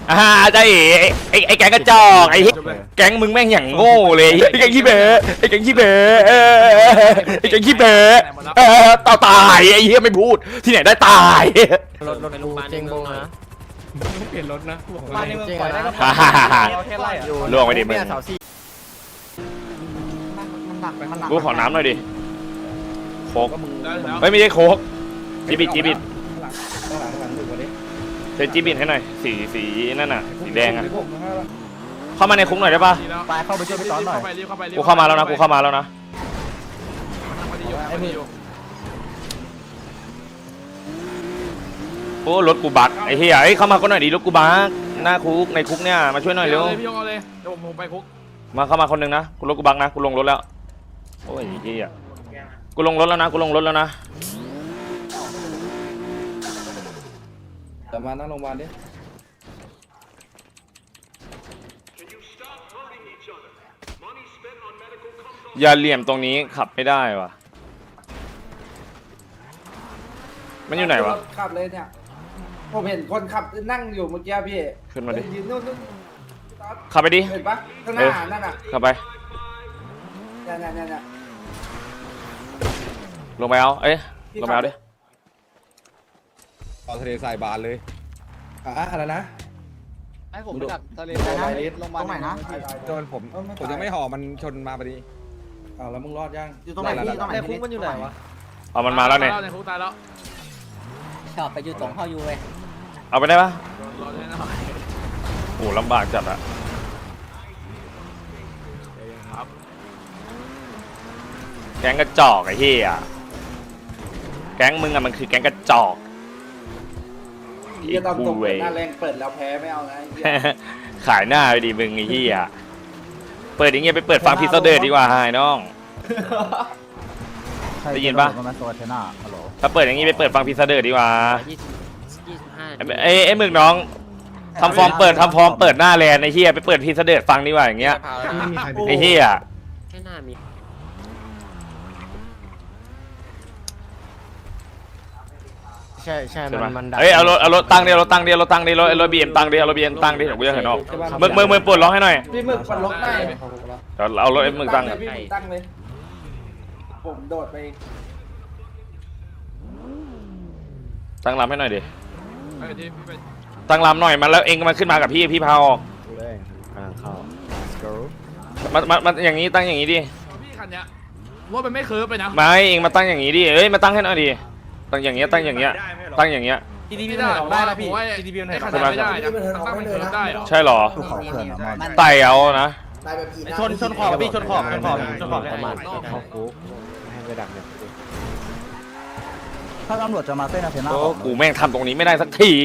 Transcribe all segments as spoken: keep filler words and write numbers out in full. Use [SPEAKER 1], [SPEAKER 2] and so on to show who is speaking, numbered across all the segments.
[SPEAKER 1] อ่าใช่ไอ้ไอ้แก๊งกระจอกไอ้แก๊งมึงแม่งอย่างโง่เลยไอ้แก๊งขี้เบ๋ไอ้แก๊งขี้เบ๋ไอ้แก๊งขี้เบ๋เออต่อตายไอ้เหี้ยไม่พูดที่ไหนได้ตาย
[SPEAKER 2] รถรถกูเจงบงนะ
[SPEAKER 3] เปลี่ยนรถนะบอก
[SPEAKER 2] บ้านในเมืองปล่อยได้ก็พอ
[SPEAKER 1] ล่วงไปดิมึงกูขอน้ำหน่อยดิโค้กไม่ไม่ใช่โค้กจีบิดจีบิดเซนจีบิดให้หน่อยสีสีนั่นน่ะสีแดงอ่ะเข้ามาในคุกหน่อยได้ปะ
[SPEAKER 2] ไปเข้าไปช่วยพี่ต้อนหน่อย
[SPEAKER 1] กูเข้ามาแล้วนะกูเข้ามาแล้วนะโอ้รถกูบักไอ้เหี้ยไอ้เข้ามาก็หน่อยดิรถกูบักหน้าคุกในคุกเนี่ยมาช่วยหน่อยเร็ว
[SPEAKER 3] พี่ยงเอาเลยเดี๋ยวผมไปคุก
[SPEAKER 1] มาเข้ามาคนหนึ่งนะกูรถกูบักนะกูลงรถแล้วโอ้ยเหี้ยกูลงรถแล้วนะกูลงรถแล้วนะ
[SPEAKER 4] แต่มานั่งโรงพยาบาลดิ
[SPEAKER 1] อย่าเหลี่ยมตรงนี้ขับไม่ได้วะมันอยู่ไหนวะ
[SPEAKER 4] ขับเลยเนี่ยผมเห็นคนขับนั่งอยู่เมื่อกี้พี่
[SPEAKER 1] ขึ้นมาดิ
[SPEAKER 4] ยืนนู่นนู่น
[SPEAKER 1] ขับไปดิ
[SPEAKER 4] เห็นปะข้างหน้านั่นน่ะ
[SPEAKER 1] ขับไป
[SPEAKER 4] เนี่ยเนี่ยเนี่ย
[SPEAKER 1] ลงไปเอาเอ้ยลงไปเอาดิ
[SPEAKER 5] ต่อทะเลทรายบานเลย
[SPEAKER 4] อ่ะอะไรนะ
[SPEAKER 2] ให้ผมไปดักทะเลทรายลงมาตรงไหนนะ
[SPEAKER 5] จนผมผมยังไม่ห่อมันชนมาพอดี
[SPEAKER 4] อ้าวแล้วมึงรอดยัง
[SPEAKER 2] อยู่ตรงไหนพี่ตรงไหนคุกมันอยู่ไหนวะ
[SPEAKER 1] เอามันมาแล้วเนี่ย
[SPEAKER 3] ในคุกตายแล้ว
[SPEAKER 2] ชอบไปอยู่ตรงเข้าอยู่เว้ย
[SPEAKER 1] เอาไปได้ปะ
[SPEAKER 3] รอได้หน่อย
[SPEAKER 1] โอ้ลำบากจัดอะ
[SPEAKER 3] ครับ
[SPEAKER 1] แก๊งกระจอกไอ้เหี้ยแก๊งมึงอะมันคือแก๊งกระจอก
[SPEAKER 4] จะตามตรงหน้าแรงเปิดแล้วแพ้ไม่เอาไง
[SPEAKER 1] ขายหน้าไปดิมึงไอ้เหี้ยเปิดอย่างเงี้ยไปเปิดฟังพิซซ่าเดอร์ดีกว่าไอ้น้องได้ยินปะถ้าเปิดอย่างงี้ไปเปิดฟังพิซซ่าเดอร์ดีกว่าไอ้ไอ้มึงน้องทำฟอร์มเปิดทำฟอร์มเปิดหน้าแลนไอ้เหี้ยไปเปิดพิซซ่าเดอร์ฟังดีกว่าอย่างเงี้ยไอ้เหี้ย
[SPEAKER 2] แค่หน้ามีใช่ใช่มันมัน
[SPEAKER 1] เฮ้ยเอารถเอารถตั้งดิเอารถตั้งดิเอารถตั้งดิรถรถบีเอ็มตั้งดิเอารถบีเอ็มตั้งดิเดี๋ยวกูจะเห็นออกมึงมึงมึงปวดร้องให้หน่อย
[SPEAKER 4] พี่มึงปวดร้องได้
[SPEAKER 1] เดี๋ยวเอารถไอ้มึงตั้ง
[SPEAKER 4] พี่ตั้งเลยผมโดดไป
[SPEAKER 1] ตั้งลำให้หน่อยดิตั้งลำหน่อยมาแล้วเองมาขึ้นมากับพี่พี่พาออกมามามาอย่างนี้ตั้งอย่างนี้ดิ
[SPEAKER 3] พี่คันเนี้ยว่ามันไม่เคิร์ฟไปนะ
[SPEAKER 1] ไม่เองมาตั้งอย่างนี้ดิเอ้ยมาตั้งให้หน่อยดิตั้งอย่างเงี้ยตั้งอย่างเงี้ยตั้งอย่างเงี้ย
[SPEAKER 3] ทีดีพีได้ได้นะพี่ทีดีพีมันไม่ได้ตั้งไม่เคิร์ฟได้
[SPEAKER 1] ใช่หรอไต่เอานะ
[SPEAKER 2] ชนชนขอบพี่ชนขอบชนขอบชนขอบประมาณเข้าคุกให้ไปดักเนี่ยถ้าตำรวจจะมาเส้นอาเทน่า
[SPEAKER 1] โอ้กูแม่งทำตรงนี้ไม่ได้สักที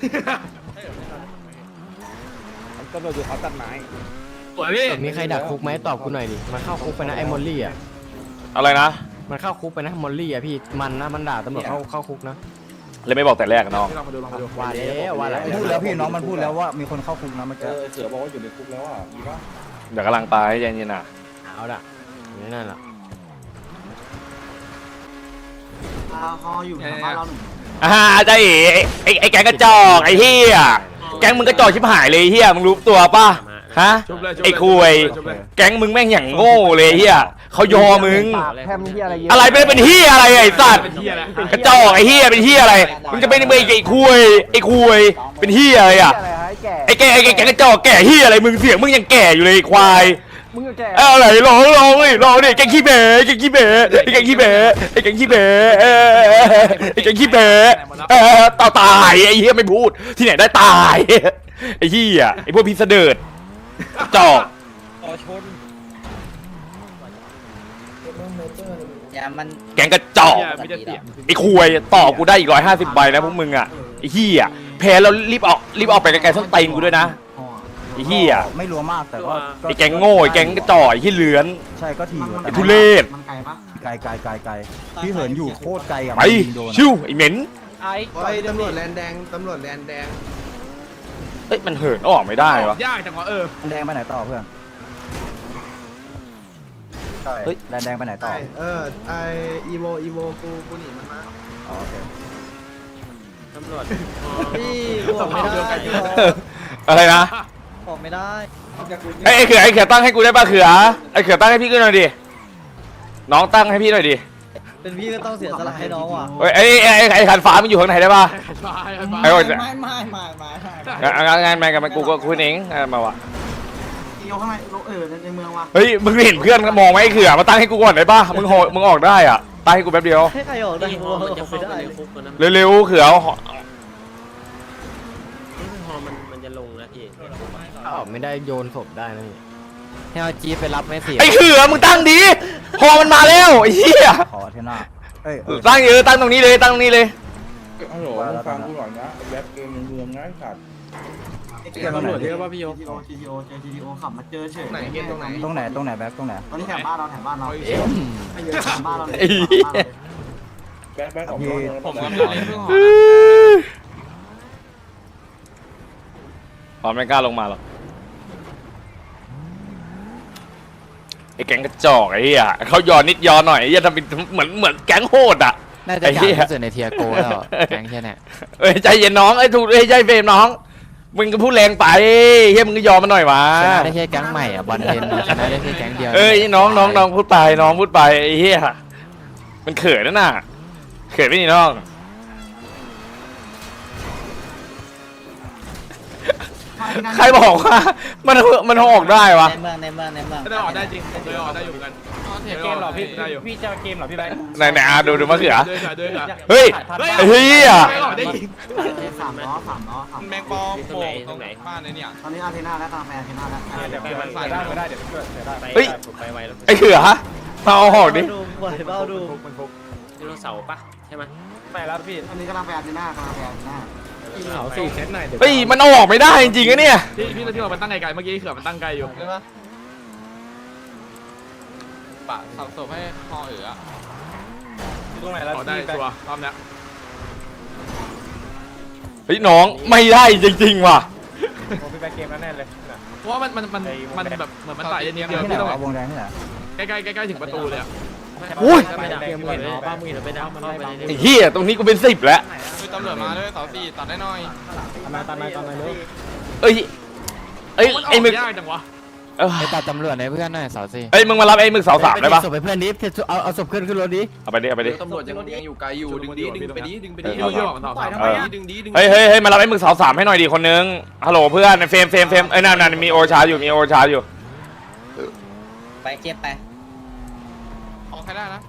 [SPEAKER 5] ตำรวจอยู่เขาตัดไม้
[SPEAKER 2] มีใครดักคุกไหมตอบกูหน่อยดิมันเข้าคุกไปนะไอ้มอลลี่อ่ะ
[SPEAKER 1] อะไรนะ
[SPEAKER 2] มันเข้าคุกไปนะมอลลี่อ่ะพี่มันนะมันด่าตำรวจเข้าเข้าคุกนะ
[SPEAKER 1] เลยไม่บอกแต่แรกน้อง
[SPEAKER 2] ว่าแล้วว่าแล้ว
[SPEAKER 4] พูดแล้วพี่น้องมันพูดแล้วว่ามีคนเข้าคุกนะมันจะเสือบอกว่าอยู่ในคุกแล้วอ่ะมีปะ
[SPEAKER 1] เดี๋ยวกำลังไปใจเย็นๆนะ
[SPEAKER 2] เอาละนี่นั่นแหละ
[SPEAKER 4] เขาอยู่ทางบ้านเราหนึ่ง
[SPEAKER 1] อ่าใช่ไอ้ไอ้แก๊งกระจอกไอ้เหี้ยแก๊งมึงกระจอกชิบหายเลยเหี้ยมึงรู้ตัวป่ะฮะไอ้คุยแก๊งมึงแม่งอย่างโง่เลยเหี้ยเขายอมึงอะไรไม่เป็นเหี้ยอะไรไอ้สัตว์กระจอกไอ้เหี้ยเป็นเหี้ยอะไรมึงจะเป็นไอ้คุยไอ้คุยเป็นเหี้ยอะไรอ่ะไอ้แกไอ้แก๊งกระจอกแก่เหี้ยอะไรมึงเสียงมึงยังแก่อยู่เลยควายเอออะไรร้องร้องเลยร้องดิแกงขี้เบ๋แกงขี้เบ๋ไอ้แกงขี้เบ๋ไอ้แกงขี้เบ๋ไอ้แกงขี้เบ๋เออต่อตายไอ้เหี้ยไม่พูดที่ไหนได้ตายไอ้เหี้ยไอ้พวกพิษเดิร์ดจอก
[SPEAKER 5] ต่อชน
[SPEAKER 2] อย่ามัน
[SPEAKER 1] แกงกระจอกไอ้คุยต่อกูได้อีกร้อยห้าสิบใบนะพวกมึงอ่ะไอ้เหี้ยแพ้แล้วรีบออกรีบออกไปไกลๆส้นตีนกูด้วยนะไอ้เหี้ย
[SPEAKER 4] ไม่รัวมากแต่ว่า
[SPEAKER 1] ไอ้แกงโง่ไอ้แกงกระจอกไอ้ที่เลือน
[SPEAKER 4] ใช่ก็ที
[SPEAKER 1] ไอ้ทุเรศ
[SPEAKER 4] มันไกลปะไกลไกลไกลไกลพี่เหินอยู่โคตรไกลอ่ะ
[SPEAKER 1] ไปชิวไอ้เหม็น
[SPEAKER 2] ไอ้ตำรวจแลนแดงตำรวจแลนแดง
[SPEAKER 1] เอ้ยมันเหินออกไม่ได้วะ
[SPEAKER 3] ยากจังวะเออ
[SPEAKER 4] แดงไปไหนต่อเพื่อนเฮ้ยแดงแดงไปไหนต่อ
[SPEAKER 6] เออไออีโวอีโวกูกูหนีมันมา
[SPEAKER 4] โอเค
[SPEAKER 2] ตำรวจ
[SPEAKER 6] พี่กูไม่ได้
[SPEAKER 1] อะไรนะ
[SPEAKER 6] บอกไม่ได้
[SPEAKER 1] ไอ้ไอ้เขือไอ้เขือตั้งให้กูได้ป่ะเขือไอ้เขือตั้งให้พี่กูหน่อยดิน้องตั้งให้พี่หน่อยดิ
[SPEAKER 6] เป็นพี่ก็ต้องเสียสละให้น้องว่ะ
[SPEAKER 1] เฮ้ยไอ้ไอ้ไอ้ไอ้ขันฟ้ามันอยู่ข้างไหนได้ป่ะ ไอ้
[SPEAKER 6] ไม่
[SPEAKER 1] คน
[SPEAKER 6] ไม่ไม่ไม่ไม่
[SPEAKER 1] งานงานงานกันมากูก็คุยเองมาวะ
[SPEAKER 6] โยข้างในเออในเมืองว่ะ
[SPEAKER 1] เฮ้ยมึงเห็นเพื่อนมองไหมไอ้เขือมาตั้งให้กูก่อนได้ป่ะมึงโหมึงออกได้อ่ะตั้งให้กูแป๊บเดียว
[SPEAKER 6] ให้ใครออกได้กูออกไม่ได้
[SPEAKER 1] เร็วๆเขือ
[SPEAKER 7] ฮอมันมันจะลงนะพี่
[SPEAKER 2] ออกไม่ได้โยนศพได้นะพี่ให้เอาจีไปรับไม่เสีย
[SPEAKER 1] ไอ้เขือมึงตั้งดีพอมันมาแล้วไอ้เหี้ย
[SPEAKER 2] ขอเทน่าเอ้ย
[SPEAKER 1] ตั้งเยอะตั้งตรงนี้เลยตั้งตรงนี้เลย
[SPEAKER 4] ฮัลโหลฟังกูก่อนนะแบ็คเกมในเมืองง่ายสัตว์
[SPEAKER 6] เจอตำรวจเยอะป่ะพี่โย ที ที โอ ที ที โอ เจอ ที ที โอ ขับมาเจอเฉยไหนเกมตรงไหน
[SPEAKER 2] ตรงไหนตรงไหนแบ็คตรงไหน
[SPEAKER 6] ตอนนี้แถวบ้านเราแถวบ้านเราแถวบ้านเราเลย
[SPEAKER 1] ไอ้เหี้ย
[SPEAKER 4] แบ็คแบ็คออกนอกเมือง
[SPEAKER 3] ผม
[SPEAKER 4] แล้ว
[SPEAKER 3] กำลังเล่นเพิ่งหอ
[SPEAKER 1] พร้อมไม่กล้าลงมาหรอกไอ้แก๊งกระจอกไอ้เหี้ยเขาย้อนนิดย้อนหน่อยไอ้เหี้ยทำเป็นเหมือนเหมือนแก๊งโหดอ่ะ
[SPEAKER 2] น่าจะใหญ่ที่สุดในเทียโกแล้วแก๊งแค่นี้
[SPEAKER 1] เอ้ยใจเย็นน้องไอ้ถูกไอ้ยใจเฟรมน้องมึงก็พูดแรงไปเฮ้ยมึงก็ยอมมันหน่อยวะ
[SPEAKER 2] ชนะได้แค่แก๊งใหม่อ่ะบอลเทนชนะได้แค่แก๊งเดียว
[SPEAKER 1] เอ้ยน้องน้องน้องพูดไปน้องพูดไปไอ้เหี้ยมันเขินนะน่ะเขินไม่นี่น้องใครบอกว่ามันมันออกได้วะ
[SPEAKER 6] ในเมืองในเมืองในเมือง
[SPEAKER 3] ได้ออกได้จริงผมเคยออกได้อยู่เหมือนกันเกมหรอพี่ได้อยู่
[SPEAKER 6] พี่จะเกมหรอพี่แบงค์
[SPEAKER 1] ไหนไหนอ่ะดูดูมะเขือ
[SPEAKER 3] เดินเดิน
[SPEAKER 1] เฮ้ยไอ้เหี้ย
[SPEAKER 3] ไม่ออกได้จริง
[SPEAKER 6] สามล้อสามล้อสาม
[SPEAKER 3] แมงปอโผล่ตรงไหนบ้านเลยเนี่ย
[SPEAKER 6] ตอนนี้อาเทน่าแล้วกำลังไปอาเทน่าแล้ว
[SPEAKER 3] เดี๋ยวมันใส่ได้ไม่ได้เดี๋ยวช่วยได้
[SPEAKER 1] เฮ้ย
[SPEAKER 7] ไปไวแล้ว
[SPEAKER 1] ไอ้เขือมาเอาหอกดิ
[SPEAKER 6] ดูบ่อยเบ้าดู
[SPEAKER 7] ไดโนเสาร์ปะใช่ไหม
[SPEAKER 3] ไม่แล้วพี่
[SPEAKER 6] ตอนนี้กำลังไปอาเทน่ากำลังไปอาเทน่า
[SPEAKER 5] เขาสี่เซตหน่อย
[SPEAKER 1] เฮ้ยมันเอาออกไม่ได้จริงๆนะเนี่ย
[SPEAKER 3] พี่พี่ที่เรามันตั้งไกลๆเมื่อกี้เขื่อนมันตั้งไกลอยู่ใช่ปะปะสับศพให้คอเอ๋อตรงไหนแล้วได้ชัวร์รอบนี้
[SPEAKER 1] เฮ้ยน้องไม่ได้จริงๆว่ะ
[SPEAKER 3] ผมไปเกมแล้วแน่เลยเพราะว่ามันมันมันมันแบบเหมือนมันไต่เดียวพี่ต้อง
[SPEAKER 2] วงแดงนี่แหละ
[SPEAKER 3] ใกล้ๆใกล้ๆถึงประตูเลยอ่ะ
[SPEAKER 1] อุ้ย
[SPEAKER 7] ไม่ได้เกมเห็นบ้ามือเห็นไปได้มันไป
[SPEAKER 1] ไอ้เหี้ยตรงนี้กูเป็นสิบแล้ว
[SPEAKER 3] คือตำรวจมาด้วยเสาสี่ตัดได้หน่อย
[SPEAKER 5] มาตามมาตามมาเลย
[SPEAKER 1] เอ้ยเอ้ย
[SPEAKER 3] มันอ
[SPEAKER 1] ไอ้
[SPEAKER 3] อก
[SPEAKER 1] มึก
[SPEAKER 3] ยากจังวะ
[SPEAKER 1] เอ้ย
[SPEAKER 2] ไปตัดตำรวจในเพื่อนหน่อยสาวซี
[SPEAKER 1] เอ้ยมึงมารับไอ้มึกเสาสามได้ปะ
[SPEAKER 2] ศพไปเพื่อนดิเอาเอาศพขึ้นขึ้นรถดิ
[SPEAKER 1] เอาไปดิเอาไปดิ
[SPEAKER 3] ตำรวจยังยังอยู่ไกลอยู่ดึงดีดึงไปดีดึงไปดี
[SPEAKER 1] เออ
[SPEAKER 3] เยอะๆต่อไปทำไมดึงดีดึง
[SPEAKER 1] เฮ้ยเฮ้ยเฮ้ยมารับไอ้มึกเสาสามให้หน่อยดิคนนึงฮัลโหลเพื่อนเฟรมเฟรมเฟรมเอ้ยนั่นนั่นมีโอชาอยู่มีโอชาอยู่
[SPEAKER 6] ไปเจ็บไป
[SPEAKER 3] ออกใครได้นะ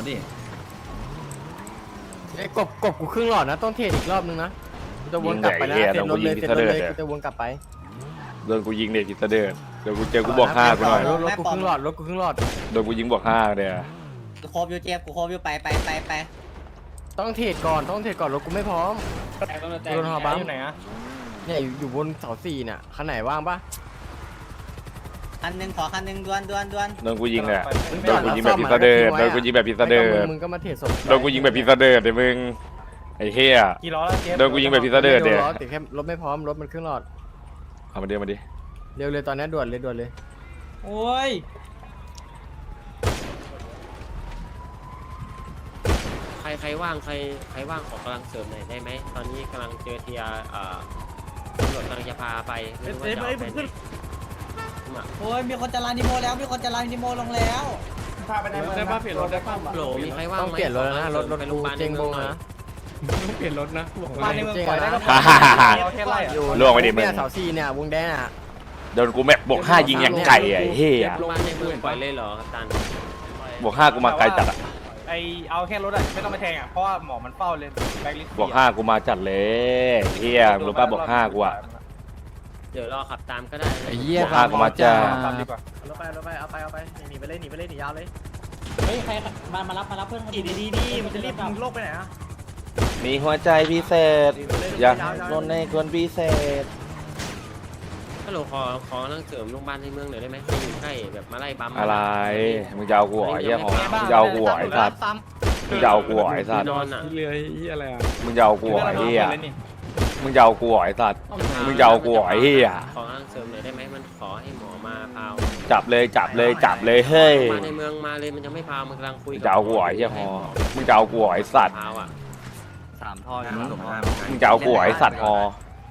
[SPEAKER 2] ไอ้กบกบกูครึ่งหลอดนะต้องเทรดอีกรอบนึงนะจะวนกลับไปนะเสร็จรถเลยเสร็จรถเลยจะวนกลับไป
[SPEAKER 1] โดนกูยิงเด็กกิตเดินเดี๋ยวกูเจอกูบอกห้ากูหน่อย
[SPEAKER 2] รถรถกูครึ่งหลอดรถกูครึ่งหลอด
[SPEAKER 1] โดนกูยิงบอกห้าเดี๋ยว
[SPEAKER 6] กูโคบอยู่เจ็บกูโคบอยู่ไปไปไปไป
[SPEAKER 2] ต้องเทรดก่อนต้องเทรดก่อนรถกูไม่พร้อมโดนหอบัง
[SPEAKER 3] อยู่ไหนอะ
[SPEAKER 2] เนี่ยอยู่บนเสาสี่เนี่ยคันไหนว่างปะ
[SPEAKER 6] คันหนึ่งขอคันหนึ่งดวนดวนดวน
[SPEAKER 1] โดนกูยิงเลยโดนกูยิงแบบพิซซ่าเดินโดนกูยิงแบบพิซซ่าเดิน
[SPEAKER 2] มึงก็มาเทรดศพ
[SPEAKER 1] โดนกูยิงแบบพิซซ่าเดินเดี๋ยวมึงไอ้เหี้ย
[SPEAKER 3] กี่ล้อแล้วเจ๊
[SPEAKER 1] โดนกูยิงแบบพิซซ่าเดินเดี๋ยว
[SPEAKER 2] แต่แค่รถไม่พร้อมรถมันครึ่งหลอด
[SPEAKER 1] เอามาเดี๋ยวมาดิ
[SPEAKER 2] เร็วเลยตอนนี้ด่วนเลยด่วนเลย
[SPEAKER 6] โอ้ย
[SPEAKER 7] ใครใครว่างใครใครว่างขอกำลังเสริมหน่อยได้ไหมตอนนี้กำลังเจอเทียอ่าตำรวจกำลังจะพาไปไม่รู้ว่าจะเอาไปไหน
[SPEAKER 6] โอ้ยมีคนจะลานดิโมแล้วมีคนจะลานดิโมลงแล้ว
[SPEAKER 4] พาไปในเมือง
[SPEAKER 3] ได้ป่ะเปลี่ยนรถได้ป่ะ
[SPEAKER 7] โหลมีใครว่าง
[SPEAKER 2] ต้อง
[SPEAKER 7] ไหม
[SPEAKER 2] เปลี่ยนรถแล้วนะรถรถ
[SPEAKER 7] ไปโร
[SPEAKER 2] กู
[SPEAKER 7] งพยาบาล
[SPEAKER 2] เจงบง
[SPEAKER 7] หน่อย
[SPEAKER 2] นะ
[SPEAKER 3] เปลี่ยนรถนะบอก
[SPEAKER 6] บ้านในเมือง
[SPEAKER 2] เจง
[SPEAKER 6] ปล่อยได้
[SPEAKER 2] นะ
[SPEAKER 6] ก็
[SPEAKER 1] ฮ่าฮ่าฮ่าฮ่า
[SPEAKER 3] เอาแค่ไล่อะ
[SPEAKER 1] ล่วงไปดิมึง
[SPEAKER 2] เนี่ยเสาสี่เนี่ยวงแดงอ่ะ
[SPEAKER 1] โดนกูแม็กบวกห้ายิงอย่างไก่ไอ้เหี้ย
[SPEAKER 7] บ้านในเมืองปล่อยเลยเหรอกัปตัน
[SPEAKER 1] บวกห้ากูมาไกลจัดอะ
[SPEAKER 3] ไอเอาแค่รถอะไม่ต้องมาแทงอะเพราะว่าหมอมันเฝ้าเลยแบ็คลิสต์
[SPEAKER 1] บวกห้ากูมาจัดเลยเหี้ยมึงรู้ป่ะบวกห้ากูอะ
[SPEAKER 7] เดี๋ยวรอขับตามก็ได้
[SPEAKER 2] ไอ้เหี้ย
[SPEAKER 1] บวกห้ากูมาจ้า
[SPEAKER 3] ตามดีกว่า
[SPEAKER 6] รถไปรถไปเอาไปเอาไปหนีไปเลยหนีไปเลยหนียาวเลยเฮ้ยใครมามารับมารับเพื่อนดีดีดีดีมันจะรีบมึงโลกไปไหนอะ
[SPEAKER 1] มีหัวใจพิเศษ อยากโดนในคนพิเศษ
[SPEAKER 7] ฮัลโหลขอขอกำลังเสริมโรงพยาบาลในเมืองหน่อยได้ไหมให้อยู่ใกล้แบบมาไล่บัม
[SPEAKER 1] อะไรมึงจะเอากูเหรอไอ้เหี้ยหอมึงจะเอากูเหรอไอ้สัตว์มึงจะเอากูเหรอไอ้สัตว์
[SPEAKER 7] นอนอ่ะ
[SPEAKER 3] เรือที่อะไรอะ
[SPEAKER 1] มึงจะเอากูเหรอไอ้เหี้ยมึงจะเอากูเหรอไอ้สัตว์มึงจะเอากูเหรอไอ้เหี้ย
[SPEAKER 7] ขอกำลังเสริมหน่อยได้ไหมมันขอให้หมอมาพาว
[SPEAKER 1] จับเลยจับเลยจับเลยเฮ้ย
[SPEAKER 7] มาในเมืองมาเลยมันจะไม่พาวมันกำลังคุย
[SPEAKER 1] มึงจะเอากูเหรอไอ้เหี้ยหอมึงจะเอากูเหรอไอ้สัตว์
[SPEAKER 7] พาวอ่ะ
[SPEAKER 6] สามท่อ
[SPEAKER 1] มึงจะเอากูเหรอไอ้สัตว์หอ
[SPEAKER 7] ม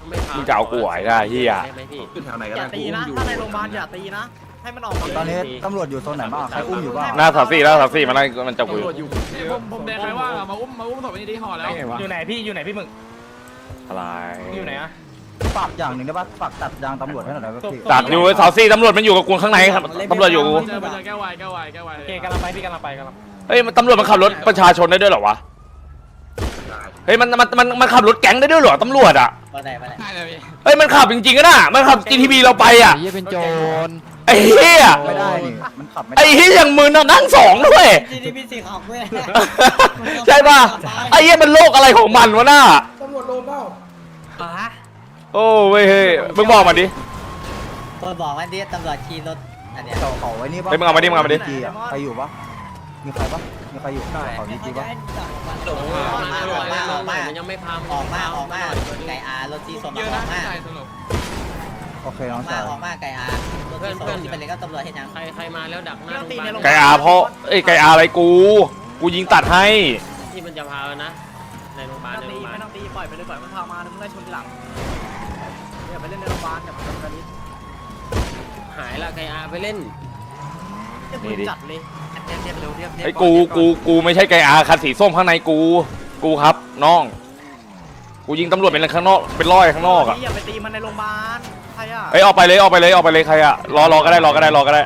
[SPEAKER 7] ไม่พา
[SPEAKER 1] มึงจะเอากูไหวได้เหี้ย
[SPEAKER 7] ได้ไหมพี่
[SPEAKER 3] แถวไหน
[SPEAKER 6] อ
[SPEAKER 3] ก็
[SPEAKER 6] ย่า
[SPEAKER 3] ได้
[SPEAKER 6] ตีนะถ้าในโรงพยาบาลอย่าตีนะให้มันออกมา
[SPEAKER 2] ตอนนี้ตำรวจอยู่โซนไหนบ้างใครอุ้มอยู่บ้าง
[SPEAKER 1] หน้าสามสี่หน้าสามสี่มันไล่มันจับกู
[SPEAKER 3] ตำรวจอยู่ผมผมแดงใครว่ามาอุ้มมาอุ้มศพไปนี่ดีห่อแล้ว
[SPEAKER 6] อยู่ไหนพี่อยู่ไหนพี่มึง
[SPEAKER 1] อะไร
[SPEAKER 6] อยู่ไหนอะ
[SPEAKER 2] ฝากอย่างหนึ่งได้ป่ะฝากตัดยางตำรวจให้หน่อยได้ป่ะพี่
[SPEAKER 1] ตัดอยู่สามสี่ตำรวจมันอยู่กับกูข้างในครับตำรวจอยู่กับกู
[SPEAKER 3] เจอไปเจอแก้ววายแก้ววายแก้ววาย
[SPEAKER 6] โอเคกำลังไปพี่กำลังไปกำลัง
[SPEAKER 1] เฮ้ยมันตำรวจมันขับรถประชาชนได้ด้วยเหรอวะเฮ้ยมันมันมันมันขับรถแก๊งได้ด้วยเหรอตำรวจอ่ะ
[SPEAKER 6] มาไหนมาไหน
[SPEAKER 3] ใช่เลยพี่
[SPEAKER 1] เฮ้ยมันขับจริงๆก็น่ะมันขับ จี ที พี เราไปอ่ะ
[SPEAKER 5] เหี้ยเป็นโจร
[SPEAKER 1] ไอ้เหี้ย
[SPEAKER 2] ไม่ได้นี่มันขับไม่ได้
[SPEAKER 1] ไอ้เหี้ยอย่างมึงน่ะนั่งสองด้วย
[SPEAKER 6] จีดีพีสีขาวเว้ย
[SPEAKER 1] ใช่ป่ะไอ้เหี้ยมันโลกอะไรของมันวะน่ะ
[SPEAKER 4] ตำรวจโดนเปล่า
[SPEAKER 6] อ่ะ
[SPEAKER 1] โอ้เว้ยเฮ้ยมึงบอกมาดิ
[SPEAKER 6] คนบอกว่าดิตำรวจขี่รถอันเนี้ย
[SPEAKER 2] เขาเขาไว้นี่ป่ะ
[SPEAKER 1] เฮ้ยมึงเอามาดิมึงเอามาดิ
[SPEAKER 2] จีอะใครอยู่ป่ะมีใครป่ะมีใครอยู่เขาดีจีป่ะ
[SPEAKER 7] ออกมาออกมาออกมาออกมามันยังไม่พา
[SPEAKER 6] ออกมาออกมาไก่อารถจีสม
[SPEAKER 3] เยอะ
[SPEAKER 6] อ
[SPEAKER 3] นะ
[SPEAKER 6] อกมา
[SPEAKER 3] ใช่สรุป
[SPEAKER 2] โอเค
[SPEAKER 6] อ
[SPEAKER 2] น้
[SPEAKER 6] อ
[SPEAKER 2] อง
[SPEAKER 6] กมา
[SPEAKER 2] ชาย
[SPEAKER 6] ออกมาไก่อารถจีสมที่เป็นเลยก็ตำรวจเห็นยัง
[SPEAKER 7] ใครใครมาแล้วดักหน้าโรงพยาบาล
[SPEAKER 1] ไก่อาเพราะเอ้ยไก่อาอะไรกู กูยิงตัดให้
[SPEAKER 7] ที่มันจะพาแล้วนะในโรงพยาบาลในโรงพยาบาล
[SPEAKER 6] ไม่ต้องตีปล่อยไปเลยปล่อยมันพามาแล้วมึงไล่ชนทีหลังอย่าไปเล่นในโรงพยาบาลอย่าไปทำกันนี้
[SPEAKER 7] หายละไกอาไปเล่น
[SPEAKER 1] นี่ดิ
[SPEAKER 6] จัดเลยเรียบเรียบเร็วเรียบเรียบ
[SPEAKER 1] ไอ้กูกูกูไม่ใช่ไก่อาคันสีส้มข้างในกู กูครับน้อง กูยิงตำรวจเป็นข้างนอกเป็นร้อยข้างนอกอ่ะ
[SPEAKER 6] อย่าไปตีมันในโรงพยาบาลใครอ่ะ
[SPEAKER 1] เอ้ยออกไปเลยออกไปเลยออกไปเลยใครอ่ะรอรอก็ได้รอก็ได้รอก็ได้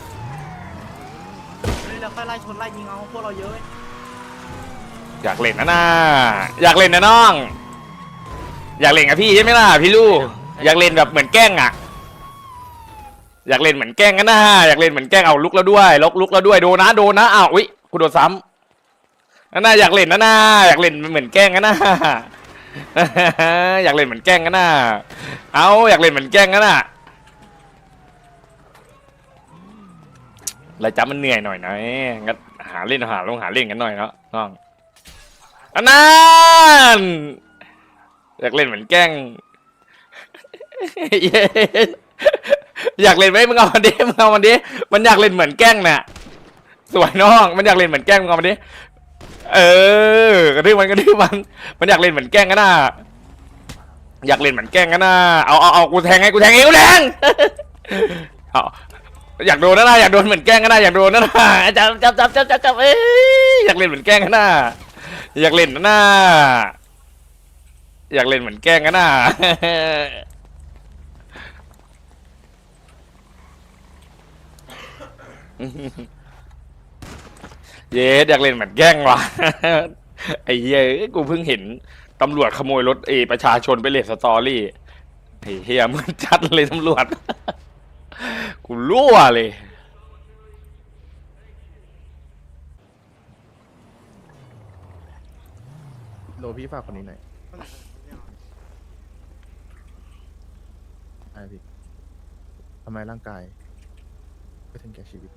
[SPEAKER 6] แล้วค่อยไล่ชนไล่ยิงเอาพวกเราเยอะ
[SPEAKER 1] อยากเล่นนะน่าอยากเล่นนะน้อง อยากเล่นกับพี่ใช่ไหมล่ะพี่ลูกอยากเล่นแบบเหมือนแกล้งอ่ะ อยากเล่นเหมือนแกล้งกันนะอยากเล่นเหมือนแกล้งเอาลุกแล้วด้วยลุกลุกแล้วด้วยโดนนะโดนนะอ้าวอุ๊ยกูโดนซ้ำนั่นน่ะอยากเล่นนะน่าอยากเล่นเหมือนแกล้งกันนะ อยากเล่นเหมือนแกล้งกันนะเอาอยากเล่นเหมือนแกล้งกันนะแล้วจับมันเหนื่อยหน่อยนะงั้นหาเล่นหาลงหาเล่นกันหน่อยเนาะน้องอันนั้นอยากเล่นเหมือนแกล้ง อยากเล่นไหมมึงเอามันดิมึงเอามันดิมันอยากเล่นเหมือนแกล้งน่ะสวยน้องมันอยากเล่นเหมือนแกล้งมึงเอามันดิเออกระดื้อมันกระดื้อมันมันอยากเล่นเหมือนแกล้งกันน่ะอยากเล่นเหมือนแกล้งกันน่ะเอาเอาเอากูแทงให้กูแทงเองกูแทง เอาอยากโดนนะน่ะอยากโดนเหมือนแกล้งกันน่ะอยากโดนนะน่ะจับจับจับจับจับจับเอ้ยอยากเล่นเหมือนแกล้งกันน่ะอยากเล่นนะน่ะอยากเล่นเหมือนแกล้งกันน่ะ เย้อยากเล่นเหมือนแกล้งว่ะ ไอ้เหี้ยกูเพิ่งเห็นตำรวจขโมยรถเอประชาชนไปเล่นสตอรี่ไอ้เหี้ยมึงจัดเลยตำรวจ กูรั่วเลย
[SPEAKER 5] โลพี่ฝากคนนี้หน่อยไอพี่ทำไมร่างกายไม่ถึงแก่ชีวิต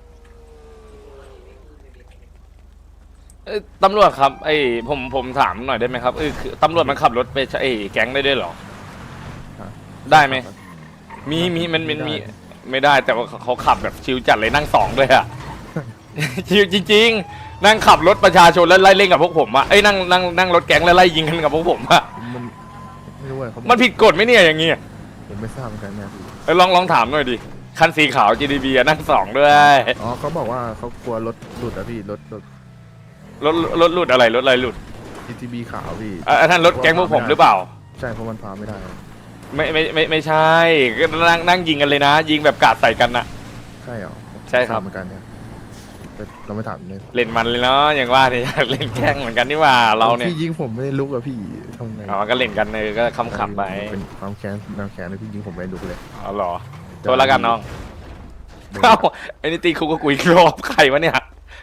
[SPEAKER 1] เอ้ยตำรวจครับไอ้ผมผมถามหน่อยได้ไหมครับเออคือตำรวจมันขับรถไปไอ้แก๊งได้ด้วยเหรอ
[SPEAKER 5] ฮะ
[SPEAKER 1] ได้ไหมมีมีมันมันมีไม่ได้แต่ว่าเขาขับแบบชิวจัดเลยนั่งสองด้วยอะ ชิวจริงๆนั่งขับรถประชาชนแล้วไล่เล่นกับพวกผมอะเอ้ยนั่งนั่งนั่งรถแก๊งแล้วไล่ยิงกันกับพวกผมอะ
[SPEAKER 5] มันไม่รู้เลยเขา
[SPEAKER 1] มันผิดกฎไหมเนี่ยอย่างงี้
[SPEAKER 5] ผมไม่ทราบเหมือนกันนะพี่
[SPEAKER 1] เอ้ยลองลองถามหน่อยดิคันสีขาว จี ดี บี อะนั่งสองด้วย
[SPEAKER 5] อ๋อเขาบอกว่าเขากลัวรถหลุดอะพี่รถรถ
[SPEAKER 1] รถรถหลุดอะไรรถอะไรหลุด
[SPEAKER 5] จีทีบีขาวพี่
[SPEAKER 1] อ่ะอันนั้นรถแก๊งพวกผมหรือเปล่า
[SPEAKER 5] ใช่เพราะมันพาไม่ได้
[SPEAKER 1] ไม่ไม่ไม่ไม่ใช่ก็นั่งนั่งยิงกันเลยนะ ยิงแบบกาดใส่กันนะ
[SPEAKER 5] ใช่เหรอ
[SPEAKER 1] ใช่ครับ
[SPEAKER 5] เหมือนกันเนี่ยแต่เราไม่ถามเลย
[SPEAKER 1] เล่นมันเลยเนาะอย่างว่าเนี่ยอยากเล่นแกล้งเหมือนกันนี่หว่าเราเนี่ย
[SPEAKER 5] พี่ยิงผมไม่ได้ลุกอะพี่ทำไง
[SPEAKER 1] อ๋อก็เล่นกันเลยก็คำขับไป
[SPEAKER 5] เป็นความแค้นแนวแค้นเลยพี่ยิงผมไม่ได้ลุกเลย
[SPEAKER 1] อ๋อเหรอโทษแล้วกันน้องเอ้าไอ้นี่ตีคุกก็กุยรอบใครวะเนี่ย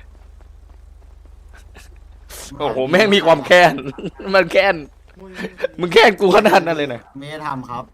[SPEAKER 1] โอ้โหแม่งมีความแค้น มันแค้นมึงแค้นกูขนาดนั้นเลยนะ
[SPEAKER 2] ไม่ได้ทำครับ